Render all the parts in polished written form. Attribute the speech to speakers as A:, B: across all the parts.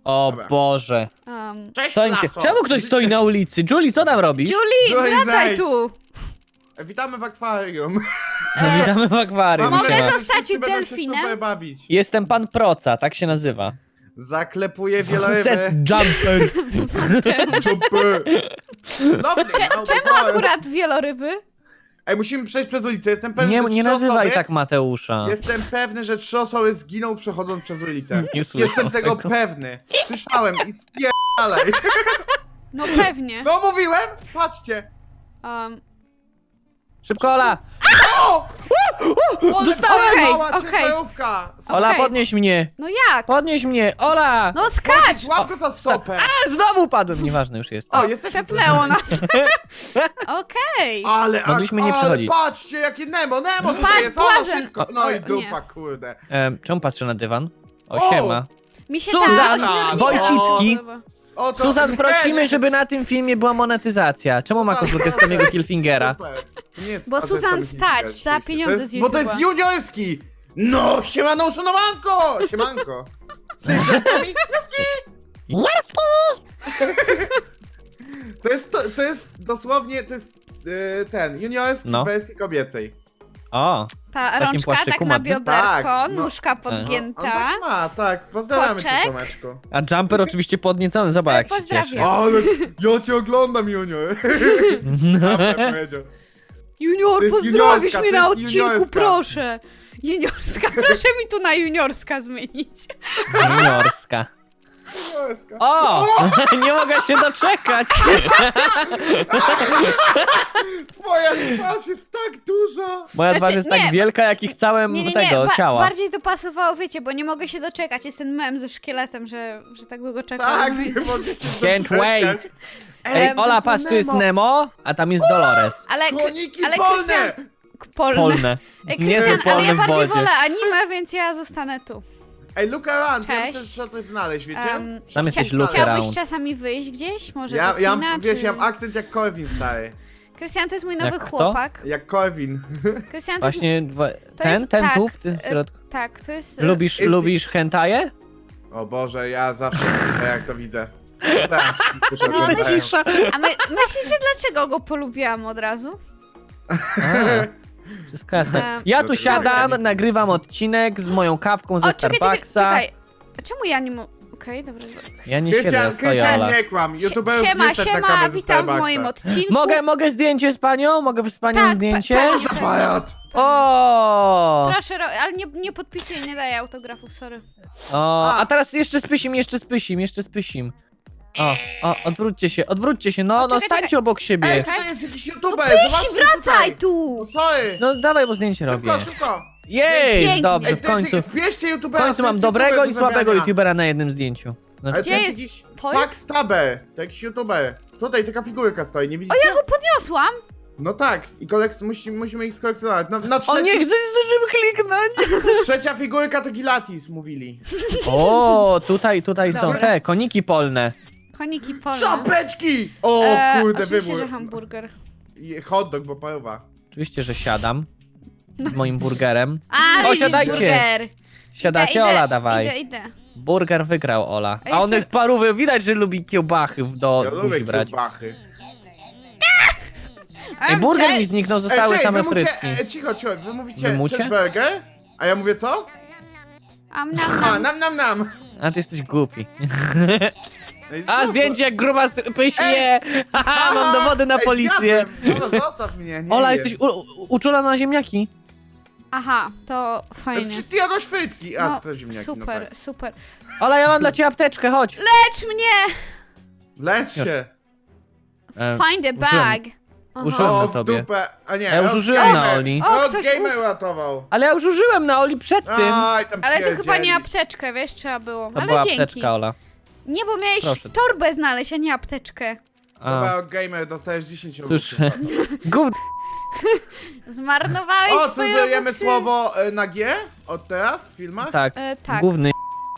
A: O
B: Dobra.
A: Boże.
B: Cześć,
A: Co im się...
B: Lacho.
A: Czemu ktoś stoi na ulicy? Julie, co tam robisz?
C: Julie,
B: Joy,
C: wracaj
B: zejdź.
C: tu!
B: Witamy w akwarium.
A: Witamy w akwarium.
C: Mogę
A: siema.
C: zostać
B: Wszyscy będą się
C: delfinem?
B: super bawić.
A: Jestem pan Proca, tak się nazywa.
B: Zaklepuję
A: Set
B: wieloryby.
A: jumper.
B: Czupy. Lovely,
C: Czemu akurat wieloryby?
B: Ej, musimy przejść przez ulicę. Jestem pewny,
A: Nie,
B: że
A: nie
B: trzy
A: nazywaj
B: osoby...
A: tak Mateusza.
B: Jestem pewny, że 3 osoby zginą przechodząc przez ulicę.
A: Nie słyszał
B: Jestem tego pewny. Słyszałem i spierdalaj.
C: No pewnie.
B: No mówiłem? Patrzcie.
A: Szybko, Ola!
B: O!
A: Dostałem!
C: Okej.
A: Ola,
C: Okej.
A: podnieś mnie!
C: No jak?
A: Podnieś mnie! Ola!
C: No skacz!
B: Łap go za stopę.
A: A, znowu padłem, nieważne już jest.
B: O, jesteśmy...
C: Tepnęło nas. Okej.
B: Ale,
A: Mogliśmy nie
B: ale
A: przechodzić.
B: patrzcie, jakie Nemo tutaj
C: Patrz,
B: jest. O,
C: błazen.
B: szybko. No i
C: O,
B: dupa, kurde.
A: Czemu patrzę na dywan?
B: O!
A: O, siema.
C: Mi się
A: Suzan
C: ta
A: Wojcicki.
B: O, to...
A: Suzan, prosimy, żeby na tym filmie była monetyzacja. Czemu ma koszulkę z Tomiego Killfingera?
B: Super. To nie jest-
C: Bo
B: a to jest
C: Suzan
B: Tommy
C: stać
B: Hilfiger,
C: za
B: oczywiście.
C: pieniądze
B: To jest,
C: z
B: Bo to jest
C: YouTube'a.
B: juniorski! No, siemano, uszanowanko! Siemanko! Z tej strony to jest dosłownie, to jest ten, juniorski
A: No.
B: w wersji kobiecej.
A: O,
C: Ta
A: takim
C: rączka
A: płaszczyku
C: tak na
A: modnym?
C: bioderko,
B: Tak, no.
C: nóżka
B: On
C: podgięta.
B: tak ma, tak. Pozdrawiamy cię,
C: Koczek.
B: Tomeczku.
A: a Jumper oczywiście podniecony, zobacz jak się
C: Pozdrawiam.
A: cieszy.
B: Ale ja cię oglądam, junior. Dobra, powiedział.
C: Junior,
B: To jest
C: pozdrowisz
B: juniorska,
C: mnie
B: to
C: na
B: jest
C: odcinku,
B: juniorska.
C: proszę. Juniorska, proszę mi tu na juniorska zmienić.
A: Juniorska.
B: Juniorska.
A: O! Nie mogę się doczekać!
B: Twoja twarz jest tak duża.
A: Moja
C: Znaczy,
A: twarz jest
C: nie.
A: tak wielka, jak ich całym tego ciała.
C: bardziej to pasowało, wiecie, bo nie mogę się doczekać. Jest ten mem ze szkieletem, że tak długo czekam.
B: Tak,
C: No i-
B: nie mogę się
A: Can't
B: doczekać.
A: wait. Ej,
B: to
A: Ola,
B: jest
A: patrz, tu jest
B: Nemo.
A: Nemo, a tam jest Dolores.
C: Ale,
B: Koniki
C: ale
B: polne!
C: Polne.
A: Polne.
C: Ej,
A: Niezłe
C: Krystian, ale
A: polne
C: ja
A: w
C: bardziej
A: wodzie.
C: wolę anime, więc ja zostanę tu.
B: Ej, look around, ja
C: Cześć.
B: myślę, że trzeba coś znaleźć, wiecie?
A: Tam jesteś look
C: Chciałbyś
A: around.
C: czasami wyjść gdzieś? Może
B: Ja,
C: do
B: ja,
C: kina,
B: wiesz,
C: czy...
B: ja mam akcent jak Corvin, stary.
C: Krystian, to jest mój nowy
A: Jak kto?
C: chłopak.
B: Jak Corvin.
C: Krystian, to jest...
A: Właśnie,
C: jest-
A: ten
C: tak,
A: tu w tym środku.
C: Tak, to jest...
A: Lubisz,
B: Jest-
A: lubisz hentaje?
B: O Boże, ja zawsze jak to widzę. Tak,
C: No,
B: tak.
A: Cisza.
C: A myślisz, że dlaczego go polubiłam od razu?
A: Wszystko jasne.
C: Em,
A: Ja tu
B: Dobra.
A: siadam, nagrywam odcinek z moją kawką ze
C: O, czekaj,
A: Starbucksa.
C: czekaj. A czemu ja nie mogę... Okej, dobra.
A: Ja nie siedzę, ja stoję,
B: Krystian,
A: Ola.
B: nie kłam. YouTuberów nie
C: Siema,
B: stać na
C: siema,
B: kawę ze
C: witam w
B: Starbucksa.
C: moim odcinku.
A: Mogę zdjęcie z panią? Mogę z panią
C: Tak,
A: zdjęcie?
C: pa-
B: Zapajat!
A: O!
C: Proszę, ale nie podpisuję, nie daję autografów, sorry.
A: O, a teraz jeszcze spysim. O, odwróćcie się, no
C: czekaj,
A: stańcie
C: czekaj.
A: obok siebie.
B: Ej, to jest jakiś YouTuber,
C: Pysi,
B: zobaczcie
C: wracaj
B: tutaj.
C: tu!
B: Sorry!
A: No dawaj, bo zdjęcie robię.
B: Szybko, szybko!
A: Jej,
C: Pięknie.
A: dobrze,
B: Ej,
A: w
B: to jest-
A: końcu.
B: Zbierzcie
A: W
B: YouTubera,
A: końcu
B: to
A: mam
B: jest
A: dobrego
B: YouTuber
A: i
B: do
A: słabego
B: zrobienia.
A: youtubera na jednym zdjęciu.
B: Ale
A: Znaczy,
B: to
C: Gdzie
B: jest
C: jest?
B: jakiś
C: To jest?
B: Backstabber, to jakiś YouTuber. Tutaj taka figurka stoi, nie
C: O,
B: widzicie?
C: ja go podniosłam!
B: No tak, i musimy ich skolekcjonować. Na
A: o nie, chcę zdążyłem kliknąć.
B: trzecia figurka to Gilatis, mówili.
A: O, tutaj są
C: Dobra.
A: te, koniki polne.
C: Koniki polne.
B: Czapeczki! O kurde,
C: Oczywiście,
B: wybór.
C: że hamburger.
B: I hot dog, bo paruwa.
A: Oczywiście, że siadam z moim burgerem.
C: A,
A: O,
C: widzisz,
A: siadajcie.
C: burger.
A: Siadacie,
C: Idę,
A: Ola, dawaj.
C: Idę.
A: Burger wygrał, Ola.
C: A ja
A: A on
C: chcę-
A: parówy, widać, że lubi kiełbachy do
B: Ja
A: buzi
B: lubię
A: brać.
B: kiełbachy.
A: Ej, burger mi zniknął, zostały
B: czekaj,
A: same
B: wy mówicie,
A: frytki.
B: cicho, wy mówicie
A: Wymucie?
B: cheeseburger? A ja mówię co? A, nam.
A: A ty jesteś głupi.
B: Ej,
A: A,
B: co?
A: zdjęcie jak gruba pyśnie! Haha, mam dowody na
B: Ej,
A: policję.
B: zjadłem. Ola, zostaw mnie, nie
A: Ola,
B: jem.
A: jesteś uczulona na ziemniaki.
C: Aha, to fajnie.
B: Ty jadłaś frytki. A,
C: No,
B: to ziemniaki,
C: super,
B: no tak.
C: super.
A: Ola, ja mam dla ciebie apteczkę, chodź.
C: Lecz mnie!
B: Lecz się.
C: Find a bag. Aha.
A: Użyłem
B: O,
A: na
B: w
A: tobie.
B: dupę. A nie,
A: Ja już
B: od
A: użyłem na
B: gamer.
A: Oli.
C: O,
B: Od
C: ktoś
B: gamer ratował.
A: Ale ja już użyłem na Oli przed tym.
B: Aj, tam
C: Ale to chyba nie
B: pierdzielisz.
C: apteczkę, wiesz, trzeba było.
A: To
C: Ale
A: była
C: dzięki.
A: apteczka, Ola.
C: Nie, bo miałeś
A: Proszę.
C: torbę znaleźć, a nie apteczkę.
B: Dobra,
A: A,
B: od gamer dostajesz 10 rubli.
A: cóż, gówno.
C: Zmarnowałeś
B: O,
C: swoje
B: cenzurujemy
C: robuxy.
B: słowo na G od teraz w filmach?
A: Tak,
C: Tak.
A: gówny.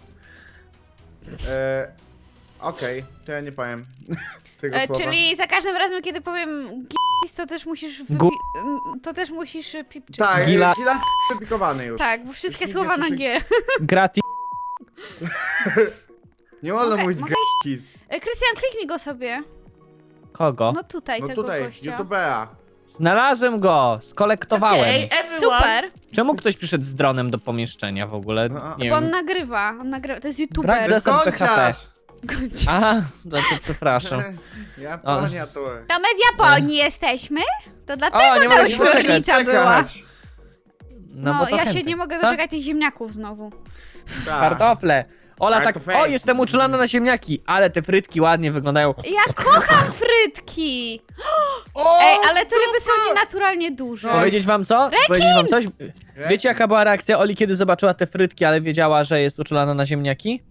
B: Okej, to ja nie powiem tego słowa.
C: Czyli za każdym razem, kiedy powiem gis, to też musisz to też musisz pipczyć.
B: Tak,
A: Gila-
B: Gila wypikowany już.
C: Tak, bo wszystkie
B: Jeśli
C: słowa
B: nie
C: na
B: słyszy-
C: G.
A: Gratis.
B: Nie wolno
C: Mogę-
B: mówić
C: mogę
B: geściz.
C: Krystian, kliknij go sobie.
A: Kogo?
C: No tutaj,
B: No
C: tego
B: tutaj,
C: gościa.
B: YouTubera.
A: Znalazłem go, skolektowałem.
B: Okej, everyone.
C: Super,
A: Czemu ktoś przyszedł z dronem do pomieszczenia w ogóle?
B: No,
A: Nie
C: bo on
A: wiem.
C: nagrywa, to jest
A: Brak
C: youtuber.
A: zasad PHP.
B: Skończasz!
C: Gość.
A: Aha, znaczy przepraszam.
B: Japonia to.
C: To my w Japonii jesteśmy? To
A: O,
C: dlatego
A: nie
C: ta
A: mogę się
C: ośmiornica była.
A: No,
C: No,
A: bo to
C: ja się
A: chętnie.
C: nie mogę
A: Co?
C: doczekać tych ziemniaków znowu.
B: Tak.
A: Kartofle. Ola tak,
B: Kartofle.
A: o jestem uczulona na ziemniaki, ale te frytki ładnie wyglądają.
C: Ja kocham frytki!
B: O,
C: Ej, ale te ryby są nienaturalnie duże.
A: Powiedzieć wam co? Powiedzieć wam coś? Wiecie jaka była reakcja Oli, kiedy zobaczyła te frytki, ale wiedziała, że jest uczulona na ziemniaki?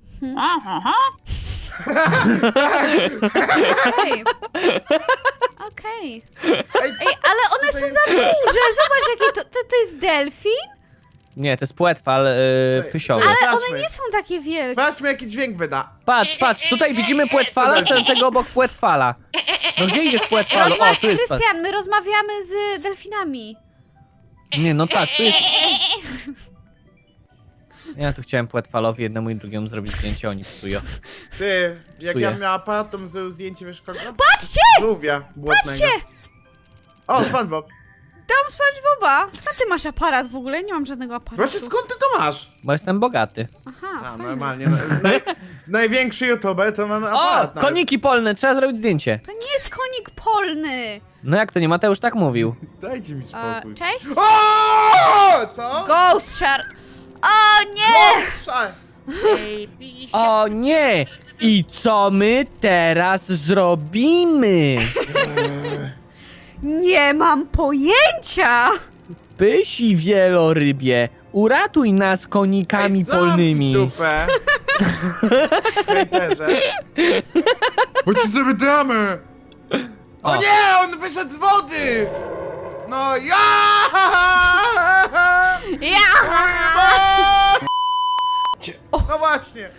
C: Okej. Okej.
B: Ej,
C: Ej, ale one są za duże! Zobacz, jakie to jest delfin?
A: Nie, to jest płetwal pysiowy.
B: Ale
C: One nie są takie wielkie.
B: Sprawdźmy jaki dźwięk wyda.
A: Patrz, tutaj widzimy płetwala stojącego obok płetwala. No gdzie idziesz płetwalu? O, tu jest patrz.
C: Krystian, my rozmawiamy z delfinami.
A: Nie, no tak, tu jest... Ja tu chciałem płetwalowi jednemu i drugiemu zrobić zdjęcie, oni psują.
B: Ty, jak
A: Psuję.
B: ja miał aparat, to bym zrobił zdjęcie, wiesz kogo?
C: Patrzcie!
B: Żółwia błotnego.
C: Patrzcie!
B: O, SpongeBob.
C: Dom SpongeBoba! Skąd ty masz aparat w ogóle? Nie mam żadnego aparatu.
B: Właśnie skąd ty to masz?
A: Bo jestem bogaty.
C: Aha,
B: A,
C: fajnie.
B: normalnie. Największy YouTuber to ma
A: O,
B: aparat. nawet.
A: koniki polne, trzeba zrobić zdjęcie.
C: To nie jest konik polny!
A: No jak to nie, Mateusz tak mówił.
B: Dajcie mi spokój.
C: Cześć?
B: O! Co?
C: Ghost Shark! O nie!
B: Szaj.
A: O nie! I co my teraz zrobimy?
C: Nie mam pojęcia!
A: Pysi wielorybie, uratuj nas konikami
B: Ej, zamknij
A: polnymi.
B: dupę. Hejterze. Bo ci sobie damy. O
A: O.
B: nie, on wyszedł z wody. No ja!
C: Ja!
B: No właśnie.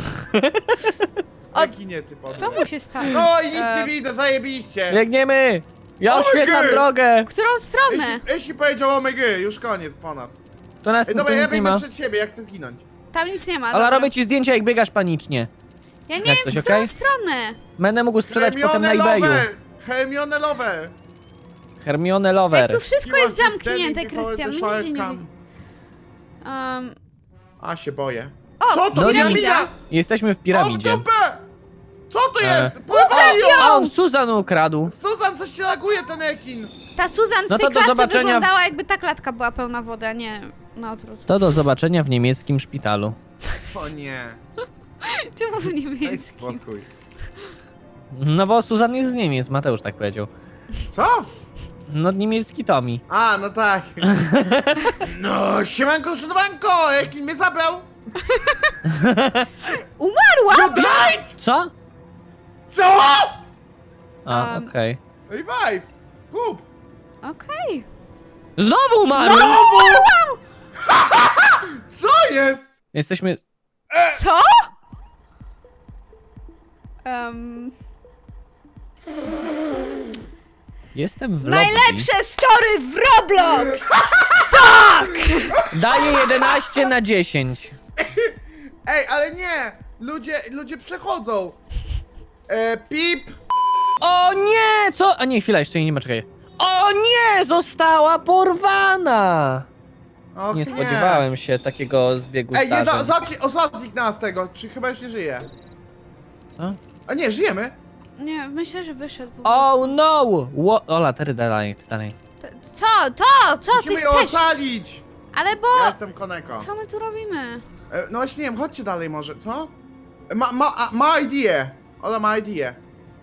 B: Jaki nie typowy.
C: Co mu się stało?
B: No i nic nie widzę, zajebiście.
A: Biegniemy! Ja
B: O,
A: oświetlam
B: gry!
A: drogę!
C: W którą stronę?
B: Jeśli powiedział omega, już koniec po nas.
A: To nas
B: Ej,
A: tu
B: dobra, ja
A: nic nie
B: biegnę
A: ma.
B: przed siebie, ja chcę zginąć.
C: Tam nic nie ma.
A: Ale
C: dobra.
A: robię ci zdjęcia jak biegasz panicznie.
C: Ja nie
A: Jak
C: wiem,
A: coś,
C: w którą
A: okej?
C: stronę.
A: Będę mógł sprzedać potem na
B: Hermione
A: eBayu.
B: Lover! Hermione Lover!
A: Hermione
C: Jak
A: Lover.
C: tu wszystko
B: You
C: jest
B: are just
C: zamknięte,
B: standing before
C: Krystian,
B: the
C: my
B: shark
C: nigdzie nie
B: come.
C: wiem.
B: A, się boję.
C: O,
B: Co to?
A: No
C: piramida!
A: Jesteśmy w
B: O, w
A: piramidzie.
B: dupę! Co to
A: E.
B: jest? Pływaj ją!
A: A on Suzan ukradł.
B: Susan, coś się laguje ten ekin!
C: Ta Suzan w
A: No
C: tej
A: to do
C: klatce
A: zobaczenia w-
C: wyglądała, jakby ta klatka była pełna wody, a nie na odwrót.
A: To do zobaczenia w niemieckim szpitalu.
B: O nie.
C: Czemu w
B: Daj
C: niemieckim?
B: spokój.
A: No bo Suzan jest z Niemiec, Mateusz tak powiedział.
B: Co?
A: No niemiecki Tomi.
B: A, no tak. No, siemanko, szudowanko! Ekin mnie zabrał!
C: Umarła!
B: You died!
A: Co?
B: Co?
A: A, okej.
B: Revive! Poop!
C: Okej.
A: Znowu umarł!
B: Co jest?
A: Jesteśmy...
C: Co?
A: Jestem w lobby.
C: Najlepsze story w Roblox!
A: Daję 11 na 10.
B: Ej, ale nie! Ludzie przechodzą! Pip!
A: O nie! Co? A nie, chwila, jeszcze jej nie ma, czekaj. O nie! Została porwana!
B: Och,
A: Nie spodziewałem się takiego zbiegu
B: Ej,
A: zdarzeń.
B: zobacz nas tego, czy chyba już nie żyje?
A: Co?
B: A nie, żyjemy!
C: Nie, myślę, że wyszedł po
A: Oh
C: prostu.
A: no! Ola, ty dalej, ty dalej.
C: Co? Co ty
B: Musimy ją
C: chcesz?
B: ocalić!
C: Ale bo...
B: Ja jestem Koneko.
C: Co my tu robimy?
B: No właśnie nie wiem, chodźcie dalej może, co? Ma idea! Ola ma idea.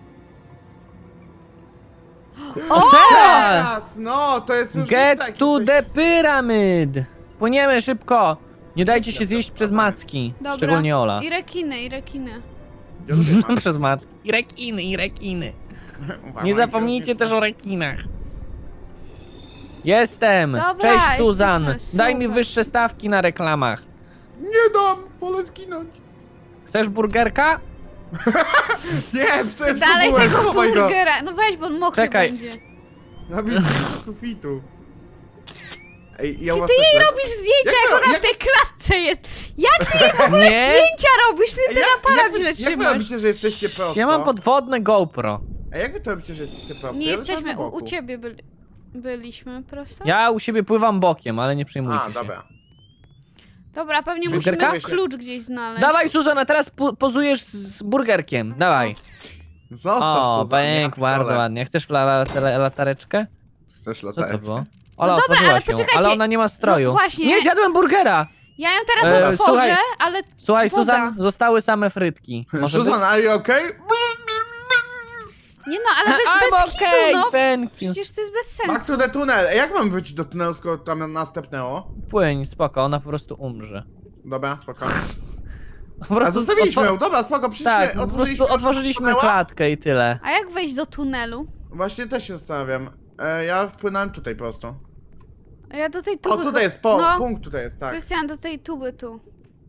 A: O!
B: Teraz! No, to jest już
A: Get
B: taki
A: to
B: coś-
A: the pyramid! Płyniemy szybko! Nie dajcie się zjeść przez macki.
C: Dobra.
A: Szczególnie Ola.
C: I rekiny, i rekiny.
B: Ja lubię macki.
A: Przez macki. I rekiny, i rekiny.
B: Uważaj,
A: Nie zapomnijcie też o rekinach. Jestem!
C: Dobra,
A: Cześć Suzan!
C: jesteśmy,
A: Daj mi
C: super.
A: wyższe stawki na reklamach.
B: Nie dam! Wolę zginąć!
A: Chcesz burgerka?
B: Nie, przecież
C: Dalej
B: to byłem,
C: tego
B: chowaj go!
C: burgera. No weź, bo on mokry
A: Czekaj.
C: będzie.
B: Na blisko sufitu. Ej, ja
C: Czy
B: u was
C: ty
B: też
C: jej
B: lecę.
C: robisz zdjęcia,
B: Jak
C: jak
B: to-
C: ona w tej klatce jest? Jak ty jej w ogóle
A: Nie?
C: zdjęcia robisz? Ty
B: Ej,
C: ten aparat źle
B: jak wy
C: trzymasz.
B: robicie, że jesteście prosto?
A: Ja mam podwodne GoPro.
B: A jak wy to robicie, że jesteście prosto?
C: Nie
B: Ja
C: jesteśmy,
B: leżałem na
C: u
B: boku.
C: ciebie byliśmy prosto?
A: Ja u siebie pływam bokiem, ale nie przejmujcie
B: A,
A: się.
B: dobra.
C: Dobra, pewnie
A: Burgerka?
C: musimy klucz gdzieś znaleźć.
A: Dawaj, Suzana, teraz pozujesz z burgerkiem. Dawaj.
B: Zostaw
A: O,
B: Suzan, ja
A: bęk, bardzo
B: pierdolę.
A: ładnie. Chcesz latareczkę?
B: Chcesz
A: Co
B: latareczkę?
A: to było? Ola,
C: No dobra,
A: otworzyła
C: ale
A: się,
C: poczekajcie.
A: ale ona nie ma stroju.
C: No właśnie.
A: Nie, zjadłem burgera!
C: Ja ją teraz otworzę,
A: słuchaj.
C: ale...
A: Słuchaj,
C: Woda.
A: Suzan, zostały same frytki. Może
B: Suzan,
A: być?
B: are you okay?
C: Nie no, ale bez
A: I'm
C: hitu,
A: okay,
C: no.
A: thank you.
C: Przecież to jest bez
B: Back
C: sensu.
B: to the tunnel. Ej, jak mam wrócić do tunelu, skoro tam następnęło?
A: Płyń, spoko, ona po prostu umrze.
B: Dobra, spoko.
A: Po prostu
B: A zostawiliśmy ją, dobra, spoko, przyszliśmy,
A: Tak, po prostu otworzyliśmy
B: tunela.
A: klatkę i tyle.
C: A jak wejść do tunelu?
B: Właśnie też się zastanawiam. Ja wpłynąłem tutaj po prostu.
C: A ja do tej
B: O,
C: tuby...
B: tutaj jest,
C: No,
B: punkt tutaj jest, tak.
C: Krystian, do tej tuby tu.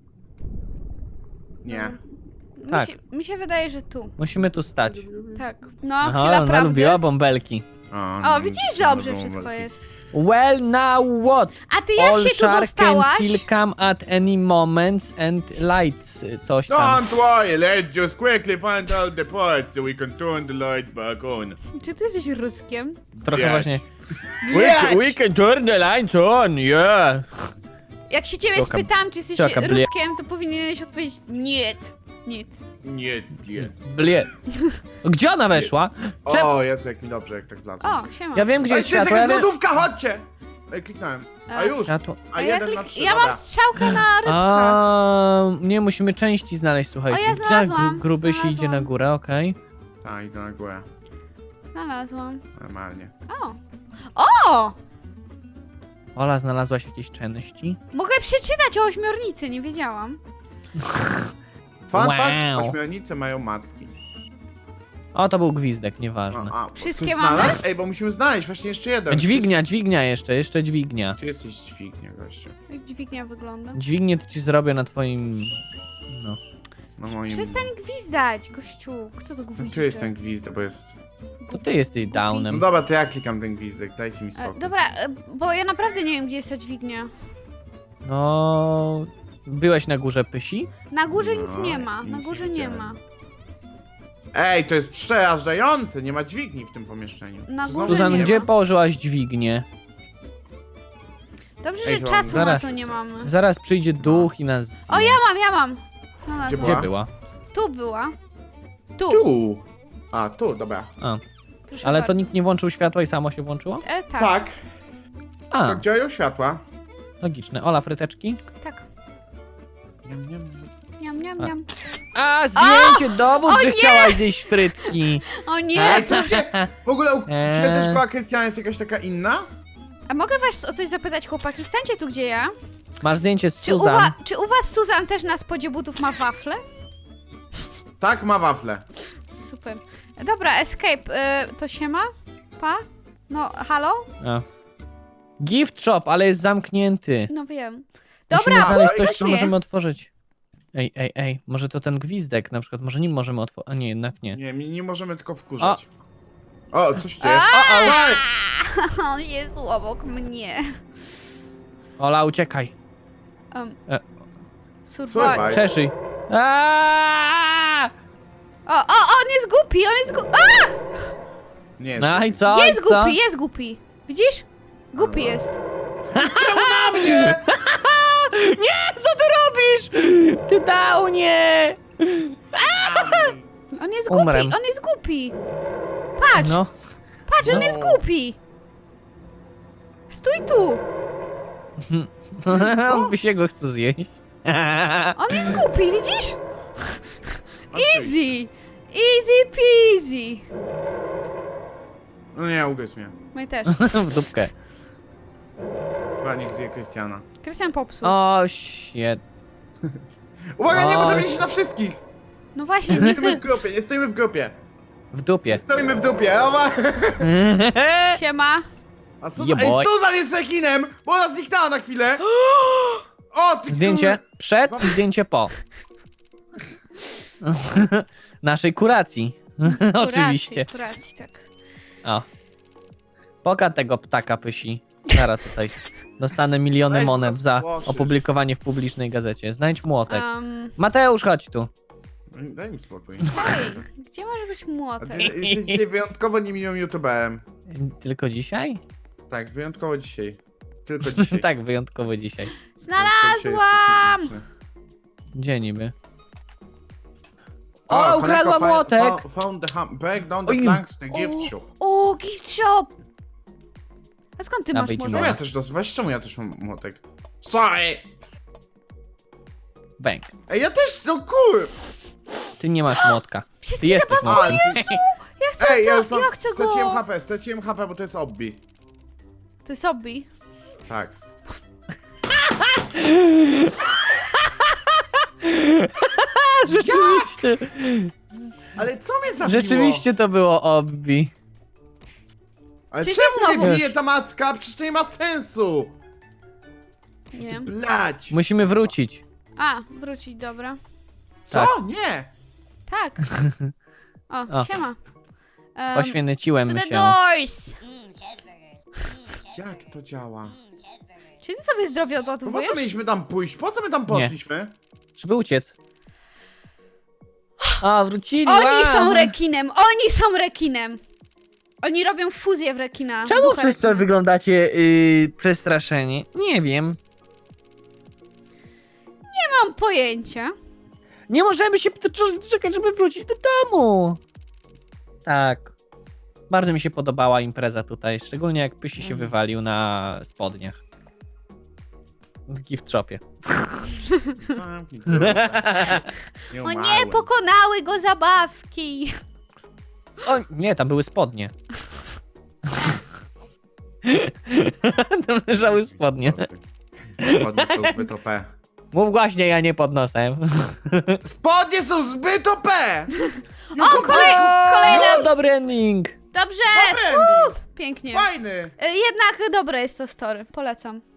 B: Nie.
A: Tak.
C: Mi się wydaje, że tu.
A: Musimy tu stać.
C: Tak. No,
A: Aha,
C: chwila
A: ona
C: prawdy.
A: lubiła bąbelki.
C: O, widzisz, dobrze wszystko jest.
A: Well, now what?
C: A ty jak
A: All
C: się tu
A: shark can
C: dostałaś?
A: still come at any moment and lights coś tam.
B: Don't worry, let's just quickly find all the parts so we can turn the lights back on.
C: Czy ty jesteś Ruskiem?
A: Trochę
B: Biać.
A: właśnie.
B: Biać.
A: We can turn the lights on, yeah.
C: Jak się ciebie
A: Cioka-
C: spytam, czy jesteś
A: cioka blie-
C: Ruskiem, to powinieneś odpowiedzieć nie. Nie.
B: Nie, nie.
A: Blie. Gdzie ona weszła? Czemu?
B: O, Jezu, jak mi dobrze, jak tak wlazłem.
C: O, siema.
A: Ja wiem, gdzie
B: Ej,
A: jest
B: to jest
A: światło.
B: jakaś
A: Ja, wiem...
B: lodówka, chodźcie! Ej, kliknąłem. A już.
A: Światło.
B: A
C: ja,
B: jeden na trzy,
C: ja
B: dobra.
C: mam strzałkę na rybkach.
A: A, nie, musimy części znaleźć, słuchajcie.
C: O, ja
A: Gdzie
C: znalazłam,
A: gruby się idzie
C: znalazłam.
A: na górę, okej.
B: Tak, idę na górę.
C: Znalazłam.
B: Normalnie.
C: O! O!
A: Ola, znalazłaś jakieś części?
C: Mogę przeczytać o ośmiornicy, nie wiedziałam.
B: Fun
A: Wow.
B: fact, ośmiornice mają macki.
A: O, to był gwizdek, nieważne.
B: No,
C: Wszystkie
B: ktoś
C: mamy?
B: znalazł? Ej, bo musimy znaleźć właśnie jeszcze jeden.
A: Dźwignia jeszcze dźwignia.
B: Ty jesteś dźwignia, gościu.
C: Jak dźwignia wygląda.
A: Dźwignię to ci zrobię na twoim... No.
B: Na moim...
C: Przestań gwizdać, gościu. Kto to gwizdże?
B: Tu jest ten gwizdek, bo jest...
A: To ty jesteś
B: No
A: downem.
B: dobra, to ja klikam ten gwizdek, dajcie mi spokój.
C: Dobra, bo ja naprawdę nie wiem, gdzie jest ta dźwignia.
A: No... Byłeś na górze Pysi?
C: Na górze nic
B: No,
C: nie ma, na
B: nic
C: górze
B: nie
C: nie
B: widziałem.
C: ma.
B: Ej, to jest przerażające, nie ma dźwigni w tym pomieszczeniu.
C: Na
B: Czy
C: górze
B: znowu
A: Suzan,
C: nie
A: gdzie
C: ma.
A: położyłaś dźwignię?
C: Dobrze,
B: Ej,
C: że
B: chyba
C: czasu na
A: zaraz-
C: to nie mamy.
A: Zaraz przyjdzie duch i nas zje.
C: O, ja mam. Znalazłam.
A: Gdzie była?
C: Tu była. Tu.
B: Tu! A, tu, dobra.
A: A,
C: Proszę
A: ale to
C: bardzo.
A: nikt nie włączył światła i samo się włączyło?
C: Tak.
B: Tak,
A: A,
B: tak działają światła.
A: logiczne. Ola, fryteczki?
C: Tak.
B: Niam, niam.
C: Niam, niam,
A: A.
C: niam.
A: A, zdjęcie, dowód, że
C: nie!
A: chciałaś zjeść frytki.
C: O nie!
B: Ej, co się... W ogóle u ciebie też
A: Eee.
B: szkoła Krystiana jest jakaś taka inna?
C: A mogę was o coś zapytać, chłopaki? Stańcie tu, gdzie ja.
A: Masz zdjęcie z
C: Czy u,
A: Suzan.
C: czy u was Suzan też na spodzie butów ma wafle?
B: Tak, ma wafle.
C: Super. Dobra, escape. To się ma? Pa? No, halo?
A: A. Gift shop, ale jest zamknięty.
C: No wiem.
A: Musimy
C: Dobra,
A: znaleźć
C: oj,
A: coś,
C: weź
A: co
C: mnie.
A: możemy otworzyć. Ej, może to ten gwizdek na przykład, może nim możemy otworzyć, a nie, jednak nie.
B: Nie, nie możemy tylko wkurzać. O, coś tu jest.
C: A!
B: O,
C: On jest tu obok mnie.
A: Ola, uciekaj.
C: Survival.
B: Survival.
A: Przeszyj. Aaaa!
C: On jest głupi, on jest głupi.
B: Nie,
A: No i co?
C: Jest
A: i co?
C: głupi, jest głupi. Widzisz? Głupi jest.
A: Nie, co ty robisz? Ty downie!
C: On jest
A: Umrę.
C: głupi, on jest głupi. Patrz,
A: No.
C: patrz, on
A: no.
C: jest głupi. Stój tu.
A: On by się go chce zjeść.
C: On jest głupi, widzisz?
B: Easy.
C: Easy. Easy peasy.
B: No nie, ugryź mnie.
C: My też.
A: W dupkę.
B: Chyba nikt zje Krystiana.
C: Krystian popsuł.
A: O, shit.
B: Uwaga, nie, bo to
A: Oś.
B: będzie na wszystkich!
C: No właśnie,
B: Nie
C: nie
B: stoimy
C: chcę.
B: w grupie, nie stoimy w grupie.
A: W dupie.
B: Stoimy w dupie, oba.
C: Siema.
B: A Suzan,
A: Yeah, boy.
B: ej, Suzan jest rekinem, bo ona zniknęła na chwilę. O, ty
A: Zdjęcie przed i zdjęcie po. Naszej kuracji. Oczywiście.
C: Kuracji, tak.
A: O. Poka tego ptaka Pysi. Zara tutaj. Dostanę miliony
B: Weź
A: monet
B: go
A: za
B: spłoszysz.
A: opublikowanie w publicznej gazecie. Znajdź młotek.
C: Um,
A: Mateusz, chodź tu.
B: Daj mi spokój.
C: Ej, gdzie może być
B: A
C: młotek?
B: ty jesteś dzisiaj wyjątkowo niemiłym youtuberem.
A: Tylko dzisiaj?
B: Tak, wyjątkowo dzisiaj. Tylko dzisiaj.
A: Tak, wyjątkowo dzisiaj.
C: Znalazłam!
A: Gdzie niby? O, ukradła młotek!
B: Found the break down the
A: Oj.
B: planks to gift shop.
C: O, gift shop! A skąd ty
A: A,
C: masz
A: wyjdź
B: Czemu
C: młotek?
B: ja też weź, czemu ja też mam młotek? Sorry!
A: Bęk.
B: Ej, ja też, no kur...
A: Ty nie masz młotka. Ty
C: Wszystkie
A: jesteś
C: zabawy-
A: młotkiem.
C: Ja chcę
B: Ej, ja
C: to,
B: już mam...
C: ja chcę go!
B: Straciłem HP, bo to jest obbi.
C: To jest obbi.
B: Tak.
A: Rzeczywiście.
B: Ale co mnie zabiło?
A: Rzeczywiście to było obbi.
B: Ale
C: Czyli
B: czemu
C: znowu-
B: mnie bije ta macka? Przecież to nie ma sensu!
C: Nie wiem.
B: Blać!
A: Musimy wrócić.
C: A, wrócić, dobra.
B: Co?
A: tak.
B: Nie!
C: Tak. O,
A: O.
C: siema. To
A: Poświęciłem
C: the
A: się.
C: doors!
B: Jak to działa?
C: Czy ty sobie zdrowie
B: No po
C: odładowujesz?
B: co mieliśmy tam pójść? Po co my tam poszliśmy?
A: Żeby uciec. A, wrócili.
C: Oni
A: wow.
C: są rekinem! Oni są rekinem! Oni robią fuzję w rekina.
A: Czemu
C: ducha
A: wszyscy
C: rekina.
A: wyglądacie przestraszeni? Nie wiem.
C: Nie mam pojęcia.
A: Nie możemy się czekać, żeby wrócić do domu. Tak. Bardzo mi się podobała impreza tutaj, szczególnie jak Pysi się wywalił na spodniach. W gift shopie.
B: Zamknij dupę.
C: O nie, pokonały go zabawki!
A: O nie, tam były spodnie. Tam leżały spodnie.
B: Spodnie są zbyt OP.
A: Mów głaśniej, ja nie pod nosem.
B: Spodnie są zbyt OP!
C: O, kolejna!
A: O, dobry ending.
C: Dobrze!
B: Dobry ending!
C: Pięknie.
B: Fajny!
C: Jednak dobre jest to story, polecam.